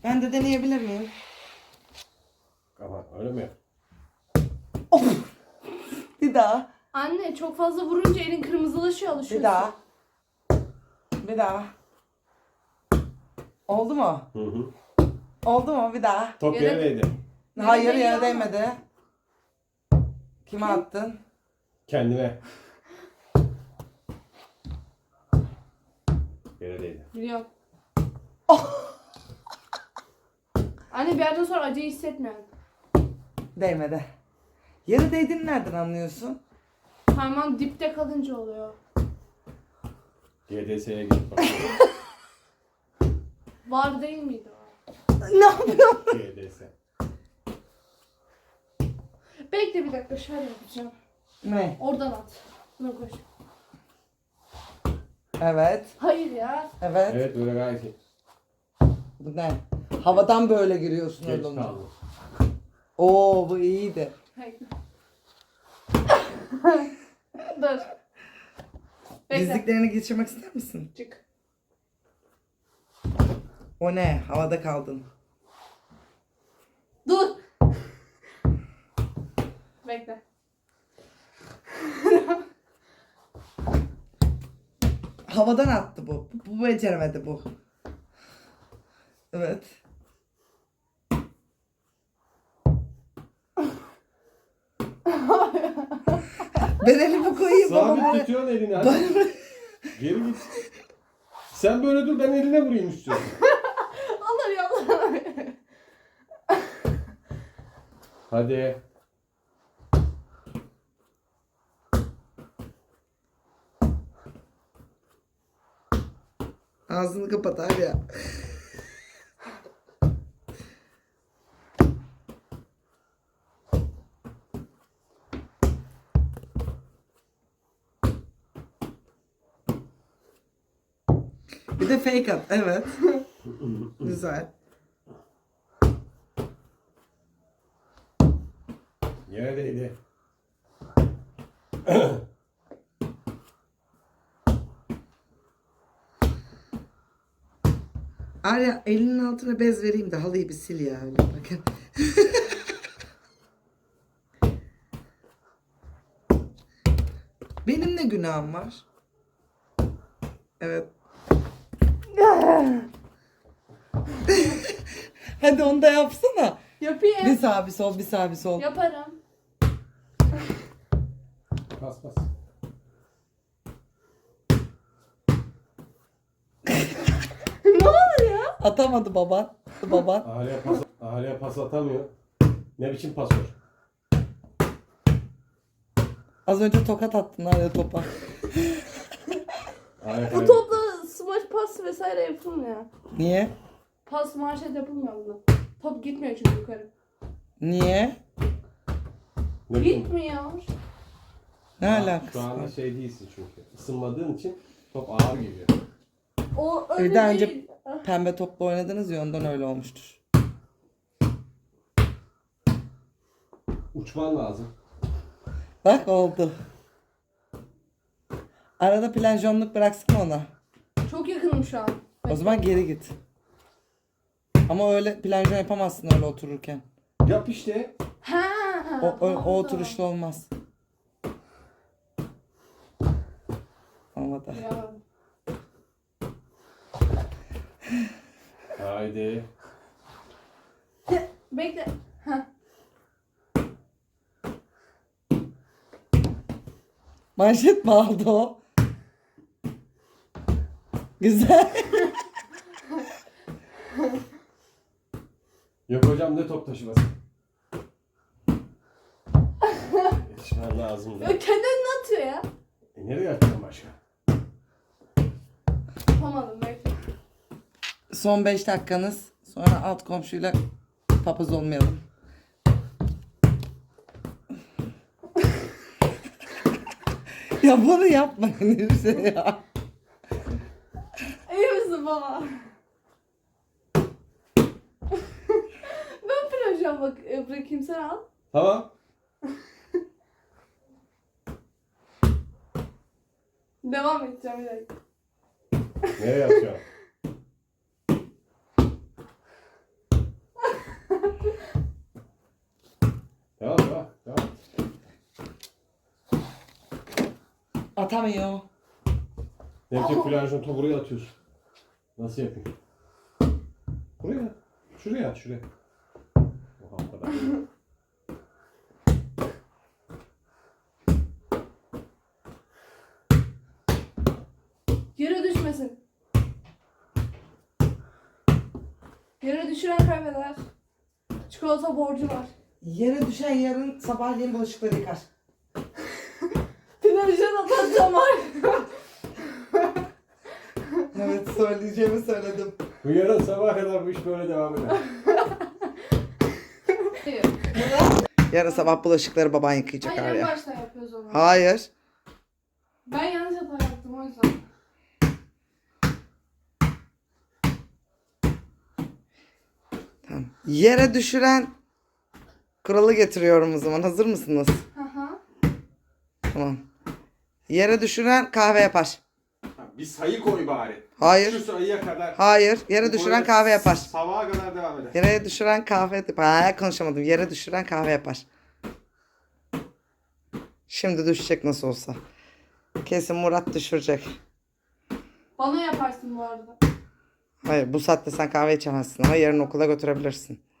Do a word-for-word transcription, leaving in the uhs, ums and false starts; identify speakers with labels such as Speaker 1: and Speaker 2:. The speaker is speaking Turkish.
Speaker 1: Ben de deneyebilir miyim?
Speaker 2: Ama öyle mi?
Speaker 1: Of! Bir daha.
Speaker 3: Anne çok fazla vurunca elin kırmızılaşıyor, alışıyorsun.
Speaker 1: Bir daha. Bir daha. Oldu mu?
Speaker 2: Hı hı.
Speaker 1: Oldu mu? Bir daha.
Speaker 2: Top
Speaker 3: Yere-
Speaker 2: yere değdi.
Speaker 1: Hayır,
Speaker 3: değiyor
Speaker 1: yere
Speaker 3: ama.
Speaker 1: değmedi. Kime attın?
Speaker 2: Kendine. Yere değdi.
Speaker 3: Biliyorum.
Speaker 1: Oh!
Speaker 3: Anne bir yerden sonra acı hissetmiyorum.
Speaker 1: Değmedi. Yere değdiğini nereden anlıyorsun?
Speaker 3: Parmağım dipte kalınca oluyor.
Speaker 2: G D S'ye gidip bak.
Speaker 3: Var değil miydi o?
Speaker 1: Ne yapıyorsun?
Speaker 2: G D S.
Speaker 3: Bekle bir dakika, şöyle yapacağım.
Speaker 1: Ne?
Speaker 3: Oradan at. Buna koş.
Speaker 1: Evet.
Speaker 3: Hayır ya.
Speaker 1: Evet.
Speaker 2: Evet böyle gayet iyi.
Speaker 1: Bu ne? Havadan böyle giriyorsun
Speaker 2: Geç
Speaker 1: öyle olunca.
Speaker 2: kaldı.
Speaker 1: Oo, bu iyiydi.
Speaker 3: Hayır. Dur. Bekle.
Speaker 1: Dizliklerini geçirmek ister misin?
Speaker 3: Çık.
Speaker 1: O ne? Havada kaldın.
Speaker 3: Dur. Bekle.
Speaker 1: Havadan attı bu. Bu, bu beceremedi bu. Evet. Ben elimi koyayım
Speaker 2: Sabit
Speaker 1: babama.
Speaker 2: tutuyorsun elini hadi. Geri git. Sen böyle dur, ben eline vurayım istiyorsun.
Speaker 3: Allah ya Allah.
Speaker 2: Hadi.
Speaker 1: Ağzını kapat abi ya. Bir de fake at. Evet. Güzel.
Speaker 2: Yere değdi.
Speaker 1: Arya, elinin altına bez vereyim de halıyı bir sil ya. Öyle bakın. Benim ne günahım var? Evet. Hadi onu da yapsana.
Speaker 3: Yapayım.
Speaker 1: Bir sağ bir sol, bir sağ bir sol.
Speaker 3: Yaparım.
Speaker 2: Pas pas.
Speaker 3: Ne olur ya?
Speaker 1: Atamadı baban. Baban.
Speaker 2: Ahaliye pas, ahaliye pas atamıyor. Ne biçim pasör?
Speaker 1: Az önce tokat attın Arya topa.
Speaker 2: Ahaliye
Speaker 3: Bu
Speaker 2: kaybetti.
Speaker 3: topla smaç pas vesaire yapılmıyor.
Speaker 1: Niye?
Speaker 3: Pas manşet yapılmıyor bunda. Top gitmiyor çünkü yukarı.
Speaker 1: Niye?
Speaker 2: Ne biçim?
Speaker 3: Gitmiyor.
Speaker 1: Ne
Speaker 2: Şu
Speaker 1: alakası
Speaker 2: anda
Speaker 1: var?
Speaker 2: şey değilsin çünkü. Isınmadığın için top ağır geliyor.
Speaker 3: O öyle
Speaker 1: Bir daha önce
Speaker 3: değil. Ah,
Speaker 1: pembe topla oynadınız ya ondan öyle olmuştur.
Speaker 2: Uçman lazım.
Speaker 1: Bak oldu. Arada planjonluk bıraksana ona.
Speaker 3: Çok yakınım şu an.
Speaker 1: O zaman geri git. Ama öyle planjon yapamazsın öyle otururken.
Speaker 2: Yap işte.
Speaker 3: Ha.
Speaker 1: O, o, o
Speaker 3: pardon.
Speaker 1: oturuşta olmaz. Olmadı.
Speaker 3: Ya.
Speaker 2: Haydi.
Speaker 3: Bekle. Ha.
Speaker 1: Manşet mi aldı o? Güzel.
Speaker 2: Yok hocam, ne top taşıması. Yetişmen lazım da.
Speaker 3: Ya kendi önüne atıyor ya.
Speaker 2: E nereye atacağım başka?
Speaker 3: Yapamadım bekle.
Speaker 1: Son beş dakikanız. Sonra alt komşuyla papaz olmayalım. Ya bunu yapmayın işte ya.
Speaker 3: İyi misin baba? Ben projem bak e, bırakayım, sen al.
Speaker 2: Tamam.
Speaker 3: Devam edeceğim bir dakika.
Speaker 2: Nereye atacağım?
Speaker 1: Atamıyor.
Speaker 2: Ne yapayım Fulya'cığım topu buraya atıyorsun. Nasıl yapayım? Buraya. Şuraya at şuraya. Oha o kadar.
Speaker 3: Yere düşmesin. Yere düşüren kaybeder. Çikolata borcu var.
Speaker 1: Yere düşen yarın sabahleyin bulaşıkları yıkar.
Speaker 3: Televizyon atacağım var.
Speaker 1: Evet, söyleyeceğimi söyledim.
Speaker 2: Bu yarın sabaha kadar bu iş böyle devam eder.
Speaker 3: Hayır.
Speaker 1: Yarın sabah bulaşıkları baban yıkayacak
Speaker 3: Hayır, en
Speaker 1: Arya.
Speaker 3: baştan yapıyoruz onu.
Speaker 1: Hayır.
Speaker 3: Ben yanlış hata yaptım o yüzden.
Speaker 1: Tamam. Yere düşüren kuralı getiriyorum o zaman. Hazır mısınız?
Speaker 3: Hı hı.
Speaker 1: Tamam. Yere düşüren kahve yapar.
Speaker 2: Bir sayı koy bari.
Speaker 1: Hayır.
Speaker 2: Şu sayıya kadar.
Speaker 1: Hayır. Yere
Speaker 2: Bu
Speaker 1: düşüren
Speaker 2: böyle
Speaker 1: kahve yapar.
Speaker 2: Sabaha kadar devam eder.
Speaker 1: Yere düşüren kahve yapar. Ha, konuşamadım. Yere düşüren kahve yapar. Şimdi düşecek nasıl olsa. Kesin Murat düşürecek.
Speaker 3: Bana yaparsın bu arada.
Speaker 1: Hayır, bu saatte sen kahve içemezsin ama yarın okula götürebilirsin.